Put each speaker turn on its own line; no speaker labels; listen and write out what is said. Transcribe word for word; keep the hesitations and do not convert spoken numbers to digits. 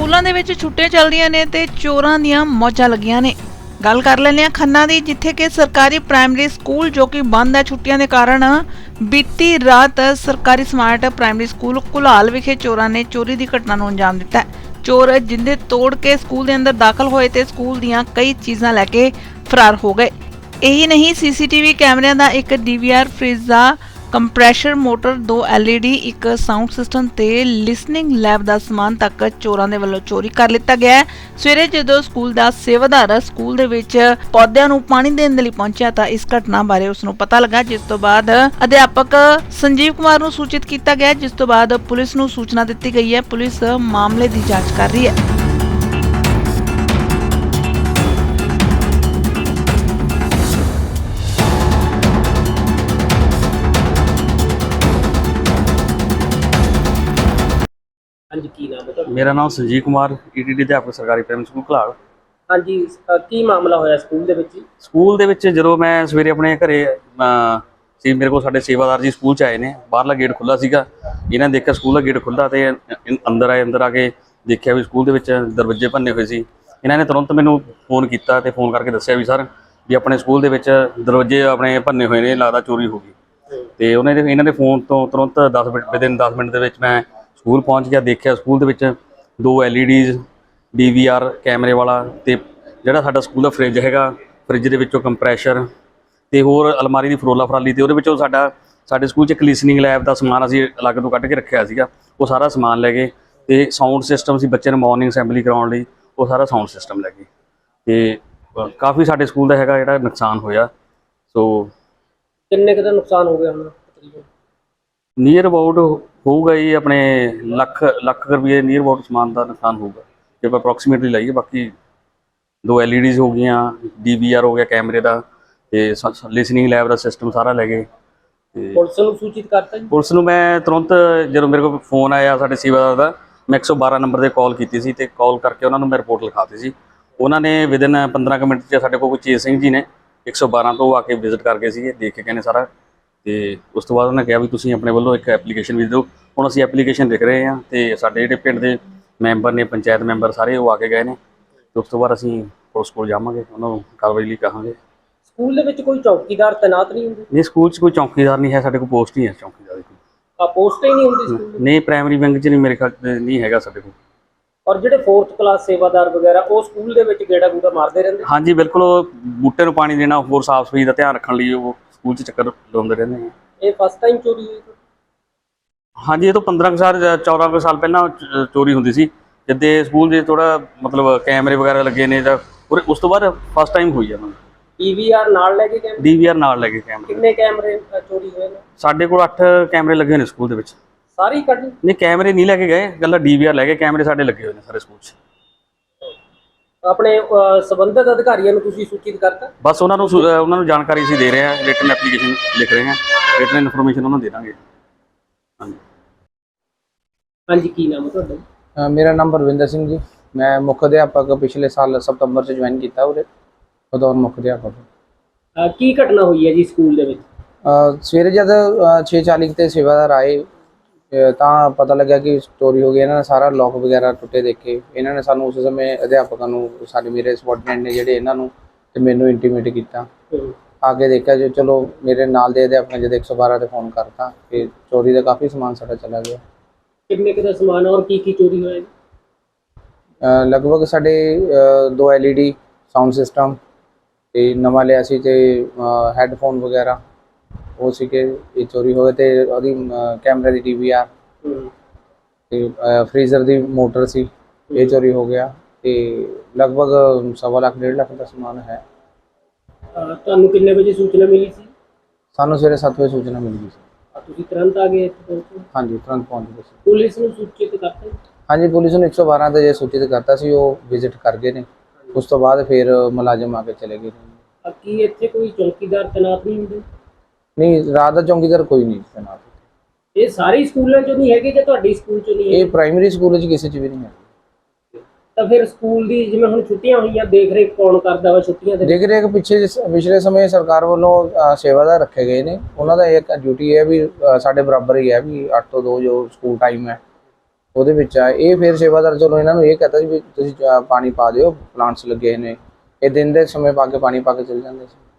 ਸਕੂਲਾਂ ਦੇ ਵਿੱਚ ਛੁੱਟੀਆਂ ਚੱਲਦੀਆਂ ਨੇ ਤੇ ਚੋਰਾਂ ਦੀਆਂ ਮੌਜਾਂ ਲੱਗੀਆਂ ਨੇ। ਗੱਲ ਕਰ ਲੈਂਦੇ ਹਾਂ ਖੰਨਾ ਦੀ, ਜਿੱਥੇ ਕਿ ਸਰਕਾਰੀ ਪ੍ਰਾਇਮਰੀ ਸਕੂਲ ਜੋ ਕਿ ਬੰਦ ਹੈ ਛੁੱਟੀਆਂ ਦੇ ਕਾਰਨ। ਬੀਤੀ ਰਾਤ ਸਰਕਾਰੀ ਸਮਾਰਟ ਪ੍ਰਾਇਮਰੀ ਸਕੂਲ ਘੁਲਾਲ ਵਿਖੇ ਚੋਰਾਂ ਨੇ ਚੋਰੀ ਦੀ ਘਟਨਾ ਨੂੰ ਅੰਜਾਮ ਦਿੱਤਾ। ਚੋਰ ਜਿੰਦੇ ਤੋੜ ਕੇ ਸਕੂਲ ਦੇ ਅੰਦਰ ਦਾਖਲ ਹੋਏ ਤੇ ਸਕੂਲ ਦੀਆਂ ਕਈ ਚੀਜ਼ਾਂ ਲੈ ਕੇ ਫਰਾਰ ਹੋ ਗਏ। ਇਹੀ ਨਹੀਂ, ਸੀਸੀਟੀਵੀ ਕੈਮਰਿਆਂ ਦਾ ਇੱਕ ਡੀਵੀਆਰ, ਫ੍ਰਿਜ ਦਾ ਕੰਪਰੈਸ਼ਰ ਮੋਟਰ, ਦੋ ਐਲ ਈ ਡੀ, ਇੱਕ ਸਾਊਂਡ ਸਿਸਟਮ ਤੇ ਲਿਸਨਿੰਗ ਲੈਬ ਦਾ ਸਮਾਨ ਤੱਕ ਚੋਰਾਂ ਦੇ ਵੱਲੋਂ ਚੋਰੀ ਕਰ ਲਿੱਤਾ ਗਿਆ ਹੈ। ਸਵੇਰੇ ਜਦੋਂ ਸਕੂਲ ਦਾ ਸੇਵਾਦਾਰ ਸਕੂਲ ਦੇ ਵਿੱਚ ਪੌਦਿਆਂ ਨੂੰ ਪਾਣੀ ਦੇਣ ਦੇ ਲਈ ਪਹੁੰਚਿਆ ਤਾਂ ਇਸ ਘਟਨਾ ਬਾਰੇ ਉਸ ਨੂੰ ਪਤਾ ਲੱਗਾ, ਜਿਸ ਤੋਂ ਬਾਅਦ ਅਧਿਆਪਕ ਸੰਜੀਵ ਕੁਮਾਰ ਨੂੰ ਸੂਚਿਤ ਕੀਤਾ ਗਿਆ, ਜਿਸ ਤੋਂ ਬਾਅਦ ਪੁਲਿਸ ਨੂੰ ਸੂਚਨਾ ਦਿੱਤੀ ਗਈ ਹੈ। ਪੁਲਿਸ ਮਾਮਲੇ ਦੀ ਜਾਂਚ ਕਰ ਰਹੀ ਹੈ।
ਹਾਂਜੀ, ਕੀ ਨਾਮ ਹੈ ਤੁਹਾਡਾ?
ਮੇਰਾ ਨਾਮ Sanjeev Kumar, E T D ਅਧਿਆਪਕ ਸਰਕਾਰੀ ਪ੍ਰਾਇਮਰੀ ਸਕੂਲ ਘਲਾਲ।
ਹਾਂਜੀ, ਅ, ਕੀ ਮਾਮਲਾ ਹੋਇਆ ਸਕੂਲ ਦੇ ਵਿੱਚ?
ਸਕੂਲ ਦੇ ਵਿੱਚ ਜਦੋਂ ਮੈਂ ਸਵੇਰੇ ਆਪਣੇ ਘਰੇ ਅ, ਸੀ, ਮੇਰੇ ਕੋਲ ਸਾਡੇ ਸੇਵਾਦਾਰ ਜੀ ਸਕੂਲ 'ਚ ਆਏ ਨੇ। ਬਾਹਰਲਾ ਗੇਟ ਖੁੱਲ੍ਹਾ ਸੀਗਾ, ਇਹਨਾਂ ਨੇ ਦੇਖਿਆ ਸਕੂਲ ਦਾ ਗੇਟ ਖੁੱਲ੍ਹਾ ਤੇ ਇ- ਅੰਦਰ ਆਏ। ਅੰਦਰ ਆ ਕੇ ਦੇਖਿਆ ਵੀ ਸਕੂਲ ਦੇ ਵਿੱਚ ਦਰਵਾਜ਼ੇ ਭੰਨੇ ਹੋਏ ਸੀ। ਇਹਨਾਂ ਨੇ ਤੁਰੰਤ ਮੈਨੂੰ ਫੋਨ ਕੀਤਾ ਤੇ ਫੋਨ ਕਰਕੇ ਦੱਸਿਆ ਵੀ ਸਰ ਵੀ ਆਪਣੇ ਸਕੂਲ ਦੇ ਵਿੱਚ ਦਰਵਾਜ਼ੇ ਆਪਣੇ ਭੰਨੇ ਹੋਏ ਨੇ, ਲੱਗਦਾ ਚੋਰੀ ਹੋ ਗਈ। ਤੇ ਉਹਨਾਂ ਦੇ ਇਹਨਾਂ ਦੇ ਫੋਨ ਤੋਂ ਤੁਰੰਤ ਦਸ ਮਿੰਟ ਵਿਦਿਨ ਦਸ ਮਿੰਟ ਦੇ ਵਿੱਚ ਮੈਂ ਸਕੂਲ ਪਹੁੰਚ ਗਿਆ। ਦੇਖਿਆ ਸਕੂਲ ਦੇ ਵਿੱਚ ਦੋ L E Ds, D V R ਕੈਮਰੇ ਵਾਲਾ, ਤੇ ਜਿਹੜਾ ਸਾਡਾ ਸਕੂਲ ਦਾ ਫਰਿੱਜ ਹੈਗਾ, ਫਰਿੱਜ ਦੇ ਵਿੱਚੋਂ ਕੰਪਰੈਸ਼ਰ ਤੇ ਹੋਰ ਅਲਮਾਰੀ ਦੀ ਫਰੋਲਾ ਫਰਾਲੀ, ਤੇ ਉਹਦੇ ਵਿੱਚੋਂ ਸਾਡਾ ਸਾਡੇ ਸਕੂਲ 'ਚ ਇੱਕ ਲਿਸਨਿੰਗ ਲੈਬ ਦਾ ਸਮਾਨ ਅਸੀਂ ਅਲੱਗ ਤੋਂ ਕੱਢ ਕੇ ਰੱਖਿਆ ਸੀਗਾ, ਉਹ ਸਾਰਾ ਸਮਾਨ ਲੈ ਗਏ। ਤੇ ਸਾਊਂਡ ਸਿਸਟਮ ਸੀ ਬੱਚੇ ਨੂੰ ਮਾਰਨਿੰਗ ਅਸੈਂਬਲੀ ਕਰਾਉਣ ਲਈ, ਉਹ ਸਾਰਾ ਸਾਊਂਡ ਸਿਸਟਮ ਲੈ ਗਏ। ਤੇ ਕਾਫੀ ਸਾਡੇ ਸਕੂਲ ਦਾ ਹੈਗਾ ਜਿਹੜਾ ਨੁਕਸਾਨ ਹੋਇਆ। ਸੋ
ਕਿੰਨੇ ਕੁ ਦਾ ਨੁਕਸਾਨ ਹੋ ਗਿਆ ਹੁਣ ਤਕਰੀਬਨ?
ਨੀਅਰ ਅਬਾਊਟ ਹੋਊਗਾ ਜੀ ਆਪਣੇ ਲੱਖ ਲੱਖ ਰੁਪਏ ਨੀਅਰ ਅਬਾਊਟ ਸਮਾਨ ਦਾ ਨੁਕਸਾਨ ਹੋਊਗਾ ਜੇ ਆਪਾਂ ਅਪਰੋਕਸੀਮੇਟਲੀ ਲਾਈਏ। ਬਾਕੀ ਦੋ ਐਲ ਈ ਡੀਜ਼ ਹੋ ਗਈਆਂ, ਡੀ ਵੀ ਆਰ ਹੋ ਗਿਆ ਕੈਮਰੇ ਦਾ, ਤੇ ਲਿਸਨਿੰਗ ਲੈਬ ਦਾ ਸਿਸਟਮ ਸਾਰਾ ਲੈ ਗਏ। ਤੇ
ਪੁਲਿਸ ਨੂੰ ਸੂਚਿਤ ਕਰਤਾ ਜੀ?
ਪੁਲਿਸ ਨੂੰ ਮੈਂ ਤੁਰੰਤ ਜਦੋਂ ਮੇਰੇ ਕੋਲ ਫੋਨ ਆਇਆ ਸਾਡੇ ਸੇਵਾਦਾਰ ਦਾ, ਮੈਂ ਇੱਕ ਸੌ ਬਾਰਾਂ ਨੰਬਰ 'ਤੇ ਕਾਲ ਕੀਤੀ ਸੀ ਤੇ ਕਾਲ ਕਰਕੇ ਉਹਨਾਂ ਨੂੰ ਮੈਂ ਰਿਪੋਰਟ ਲਿਖਾਤੀ ਸੀ। ਉਹਨਾਂ ਨੇ ਵਿਦਿਨ ਪੰਦਰਾਂ ਕੁ ਮਿੰਟ 'ਚ ਸਾਡੇ ਕੋਲ ਚੇਤ ਸਿੰਘ ਜੀ ਨੇ ਇੱਕ ਸੌ ਬਾਰਾਂ ਤੋਂ ਆ ਕੇ ਵਿਜ਼ਿਟ ਕਰ ਗਏ ਸੀਗੇ, ਦੇਖ ਕੇ ਕਹਿੰਦੇ ਸਾਰਾ। ਤੇ ਉਸ ਤੋਂ ਬਾਅਦ ਉਹਨਾਂ ਕਿਹਾ ਵੀ ਤੁਸੀਂ ਆਪਣੇ ਵੱਲੋਂ ਇੱਕ ਐਪਲੀਕੇਸ਼ਨ ਵੀ ਦਿਓ। ਹੁਣ ਅਸੀਂ ਐਪਲੀਕੇਸ਼ਨ ਲਿਖ ਰਹੇ ਹਾਂ ਤੇ ਸਾਡੇ ਜਿਹੜੇ ਪਿੰਡ ਦੇ ਮੈਂਬਰ ਨੇ, ਪੰਚਾਇਤ ਮੈਂਬਰ ਸਾਰੇ, ਉਹ ਆ ਕੇ ਗਏ ਨੇ। ਤੇ ਉਸ ਤੋਂ ਬਾਅਦ ਅਸੀਂ ਪੁਲਿਸ ਕੋਲ ਜਾਵਾਂਗੇ, ਉਹਨਾਂ ਨੂੰ ਕਾਰਵਾਈ ਲਈ ਕਹਾਂਗੇ।
ਸਕੂਲ ਦੇ ਵਿੱਚ ਕੋਈ ਚੌਕੀਦਾਰ ਤੈਨਾਤ ਨਹੀਂ ਹੁੰਦੇ?
ਨਹੀਂ, ਸਕੂਲ 'ਚ ਕੋਈ ਚੌਕੀਦਾਰ ਨਹੀਂ ਹੈ, ਸਾਡੇ ਕੋਲ ਪੋਸਟ ਹੀ ਹੈ ਚੌਕੀਦਾਰ ਦੀ।
ਆ ਪੋਸਟ ਹੀ ਨਹੀਂ ਹੁੰਦੀ ਸਕੂਲ ਦੀ?
ਨਹੀਂ, ਪ੍ਰਾਇਮਰੀ ਵਿੰਗ 'ਚ ਨਹੀਂ, ਮੇਰੇ ਖਿਆਲ ਨਹੀਂ ਹੈਗਾ ਸਾਡੇ ਕੋਲ।
ਔਰ ਜਿਹੜੇ ਫੋਰਥ ਕਲਾਸ ਸੇਵਾਦਾਰ ਵਗੈਰਾ ਉਹ ਸਕੂਲ ਦੇ ਵਿੱਚ ਗੇੜਾ ਗੂੜਾ ਮਾਰਦੇ ਰਹਿੰਦੇ?
ਹਾਂਜੀ ਬਿਲਕੁਲ, ਉਹ ਬੂਟੇ ਨੂੰ ਪਾਣੀ ਦੇਣਾ, ਹੋਰ ਸਾਫ਼ ਸਫਾਈ ਦਾ ਧਿਆਨ ਰੱਖਣ ਲਈ ਉਹ ਸਕੂਲ 'ਚ ਚੱਕਰ ਲਾਉਂਦੇ ਰਹਿੰਦੇ ਨੇ।
ਇਹ ਫਸਟ ਟਾਈਮ ਚੋਰੀ ਹੋਈ?
ਹਾਂਜੀ, ਇਹ ਤੋਂ ਪੰਦਰਾਂ ਕੁ ਸਾਲ ਚੌਦਾਂ ਕੁ ਸਾਲ ਪਹਿਲਾਂ ਚ- ਚੋਰੀ ਹੁੰਦੀ ਸੀ, ਜਿੱਦੇ ਸਕੂਲ 'ਚ ਥੋੜਾ ਮਤਲਬ ਕੈਮਰੇ ਵਗੈਰਾ ਲੱਗੇ ਨੇ ਜਾਂ ਉਸ ਤੋਂ ਬਾਅਦ ਫਸਟ ਟਾਈਮ ਹੋਈ ਆ।
ਡੀ ਵੀ ਆਰ ਨਾਲ ਲੈ ਕੇ ਕੈਮਰੇ?
ਡੀ ਵੀ ਆਰ ਨਾਲ ਲੈ ਕੇ ਕੈਮਰੇ।
ਕਿੰਨੇ ਕੈਮਰੇ ਅ, ਚੋਰੀ ਹੋਏ ਨੇ?
ਸਾਡੇ ਕੋਲ ਅੱਠ ਕੈਮਰੇ ਲੱਗੇ ਹੋਏ ਨੇ ਸਕੂਲ ਦੇ ਵਿੱਚ।
ਸਾਰੇ ਹੀ ਕੱਢ?
ਨਹੀਂ, ਕੈਮਰੇ ਨਹੀਂ ਲੈ ਕੇ ਗਏ, ਗੱਲਾਂ ਡੀ ਵੀ ਆਰ ਲੈ ਕੇ, ਕੈਮਰੇ ਸਾਡੇ ਲੱਗੇ ਹੋਏ ਨੇ ਸਾਰੇ ਸਕੂਲ 'ਚ।
ਆਪਣੇ ਅ, ਸੰਬੰਧਿਤ ਅਧਿਕਾਰੀਆਂ ਨੂੰ ਤੁਸੀਂ ਸੂਚਿਤ ਕਰਤਾ?
ਬਸ ਉਹਨਾਂ ਨੂੰ ਸੁ- ਅਹ ਉਹਨਾਂ ਨੂੰ ਜਾਣਕਾਰੀ ਅਸੀਂ ਦੇ ਰਹੇ ਹਾਂ, ਰਿਟਨ ਐਪਲੀਕੇਸ਼ਨ ਲਿਖ ਰਹੇ ਹਾਂ, ਰਿਟਨ ਇਨਫੋਰਮੇਸ਼ਨ ਉਹਨਾਂ ਨੂੰ ਦੇ ਦਾਂਗੇ। ਹਾਂਜੀ
ਹਾਂਜੀ, ਕੀ ਨਾਮ ਹੈ ਤੁਹਾਡਾ?
ਅ, ਮੇਰਾ ਨਾਮ ਪਰਵਿੰਦਰ ਸਿੰਘ ਜੀ। ਮੈਂ ਮੁੱਖ ਅਧਿਆਪਕ ਪਿਛਲੇ ਸਾਲ ਸਤੰਬਰ 'ਚ ਜੁਆਇਨ ਕੀਤਾ ਉਰੇ, ਬਤੌਰ ਮੁੱਖ ਅਧਿਆਪਕ।
ਅ, ਕੀ ਘਟਨਾ ਹੋਈ ਹੈ ਜੀ ਸਕੂਲ ਦੇ ਵਿੱਚ?
ਅ, ਸਵੇਰੇ ਜਦ ਛੇ ਚਾਲੀ 'ਤੇ ਸੇਵਾਦਾਰ ਆਏ ਅ, ਤਾਂ ਪਤਾ ਲੱਗਿਆ ਕਿ ਚੋਰੀ ਹੋ ਗਈ। ਇਹਨਾਂ ਨੇ ਸਾਰਾ ਲੋਕ ਵਗੈਰਾ ਟੁੱਟੇ ਦੇਖੇ। ਇਹਨਾਂ ਨੇ ਸਾਨੂੰ ਉਸ ਸਮੇਂ ਅਧਿਆਪਕਾਂ ਨੂੰ, ਸਾਡੇ ਮੇਰੇ ਸਬੋਰਡੀਨੇਟ ਨੇ ਜਿਹੜੇ, ਇਹਨਾਂ ਨੂੰ ਤੇ ਮੈਨੂੰ ਇੰਟੀਮੇਟ ਕੀਤਾ। ਆ ਕੇ ਦੇਖਿਆ ਜੋ, ਚਲੋ ਮੇਰੇ ਨਾਲ ਦੇ ਅਧਿਆਪਕਾਂ ਜਦ ਇੱਕ ਸੌ ਬਾਰਾਂ 'ਤੇ ਫੋਨ ਕਰਤਾ ਕਿ ਚੋਰੀ ਦਾ ਕਾਫੀ ਸਮਾਨ ਸਾਡਾ ਚਲਾ ਗਿਆ। ਕਿੰਨੇ
ਕੁ ਦਾ ਸਮਾਨ ਔਰ ਕੀ ਕੀ ਚੋਰੀ ਹੋਇਆ ਜੀ?
ਅ, ਲਗਭਗ ਸਾਡੇ ਅ, ਦੋ L E D, sound system ਤੇ ਨਵਾਂ ਲਿਆ ਸੀ, ਤੇ ਹੈੱਡਫੋਨ ਵਗੈਰਾ ਉਹ ਸੀਗੇ, ਇਹ ਚੋਰੀ ਹੋ ਗਏ। ਤੇ ਉਹਦੀ ਕੈਮਰੇ ਦੀ ਡੀ ਵੀ ਆਰ ਤੇ ਫਰੀਜ਼ਰ ਦੀ ਮੋਟਰ ਸੀ, ਇਹ ਚੋਰੀ ਹੋ ਗਿਆ। ਤੇ ਲਗਭਗ ਸਵਾ ਲੱਖ ਡੇਢ ਲੱਖ ਦਾ ਸਮਾਨ ਹੈ।
ਅ, ਤੁਹਾਨੂੰ ਕਿੰਨੇ ਵਜੇ ਸੂਚਨਾ ਮਿਲੀ ਸੀ?
ਸਾਨੂੰ ਸਵੇਰੇ ਸੱਤ ਵਜੇ ਸੂਚਨਾ ਮਿਲ ਗਈ ਸੀ।
ਅ, ਤੁਸੀਂ ਤੁਰੰਤ ਆ ਗਏ ਇੱਥੇ ਪਹੁੰਚੇ?
ਹਾਂਜੀ, ਤੁਰੰਤ ਪਹੁੰਚ ਗਏ ਸੀ।
ਪੁਲਿਸ ਨੂੰ ਸੂਚਿਤ ਕਰਤਾ ਜੀ?
ਹਾਂਜੀ, ਪੁਲਿਸ ਨੂੰ ਇੱਕ ਸੌ ਬਾਰਾਂ 'ਤੇ ਜੇ ਸੂਚਿਤ ਕਰਤਾ ਸੀ, ਉਹ ਵਿਜ਼ਿਟ ਕਰ ਗਏ ਨੇ। ਉਸ ਤੋਂ ਬਾਅਦ ਫਿਰ ਮੁਲਾਜ਼ਮ ਆ ਕੇ ਚਲੇ ਗਏ।
ਅ, ਕੀ ਇੱਥੇ ਕੋਈ ਚੌਕੀਦਾਰ ਤੈਨਾਤ ਨਹੀਂ ਹੁੰਦੇ?
ਨਹੀਂ, ਰਾਤ ਦਾ ਚੌਂਕੀਦਾਰ ਕੋਈ ਨਹੀਂ ਤੈਨਾਤ।
ਇਹ ਸਾਰੇ ਸਕੂਲਾਂ 'ਚੋਂ ਨਹੀਂ ਹੈਗੇ ਜਾਂ ਤੁਹਾਡੇ ਸਕੂਲ 'ਚੋਂ ਨਹੀਂ ਹੈ?
ਇਹ ਪ੍ਰਾਇਮਰੀ ਸਕੂਲ 'ਚ ਕਿਸੇ 'ਚ ਵੀ ਨਹੀਂ ਹੈ।
ਤਾਂ ਫਿਰ ਸਕੂਲ ਦੀ ਜਿਵੇਂ ਹੁਣ ਛੁੱਟੀਆਂ ਹੋਈਆਂ, ਦੇਖ ਰੇਖ ਕੌਣ ਕਰਦਾ ਵਾ ਛੁੱਟੀਆਂ ਦੇ?
ਦੇਖ ਰੇਖ ਪਿੱਛੇ ਪਿਛਲੇ ਸਮੇਂ ਸਰਕਾਰ ਵੱਲੋਂ ਅ, ਸੇਵਾਦਾਰ ਰੱਖੇ ਗਏ ਨੇ। ਉਹਨਾਂ ਦਾ ਇੱਕ ਡਿਊਟੀ ਹੈ ਵੀ ਅ, ਸਾਡੇ ਬਰਾਬਰ ਹੀ ਹੈ ਵੀ ਅੱਠ ਤੋਂ ਦੋ ਜੋ ਸਕੂਲ ਟਾਈਮ ਹੈ, ਉਹਦੇ ਵਿੱਚ ਆ। ਇਹ ਫਿਰ ਸੇਵਾਦਾਰ ਚਲੋ ਇਹਨਾਂ ਨੂੰ ਇਹ ਕਹਤਾ ਸੀ ਵੀ ਤੁਸੀਂ ਅ, ਪਾਣੀ ਪਾ ਦਿਓ, ਪਲਾਂਟਸ ਲੱਗੇ ਨੇ। ਇਹ ਦਿਨ ਦੇ ਸਮੇਂ ਪਾ ਕੇ ਪਾਣੀ ਪਾ ਕੇ ਚਲੇ ਜਾਂਦੇ ਸੀ।